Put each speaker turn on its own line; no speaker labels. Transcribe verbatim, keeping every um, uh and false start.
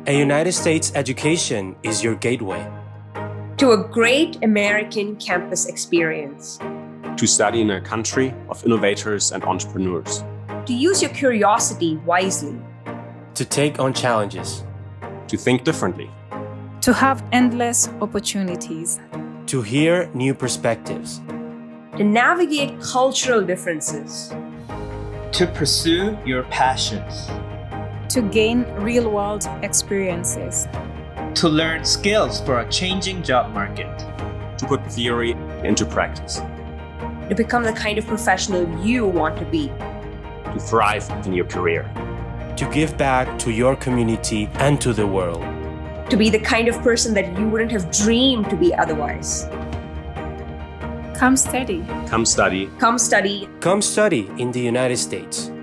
A United States education is your gateway
to a great American campus experience.
To study in a country of innovators and entrepreneurs.
To use your curiosity wisely.
To take on challenges.
To think differently.
To have endless opportunities.
To hear new perspectives.
To navigate cultural differences.
To pursue your passions.
To gain real-world experiences.
To learn skills for a changing job market.
To put theory into practice.
To become the kind of professional you want to be.
To thrive in your career.
To give back to your community and to the world.
To be the kind of person that you wouldn't have dreamed to be otherwise.
Come study.
Come study.
Come study.
Come study in the United States.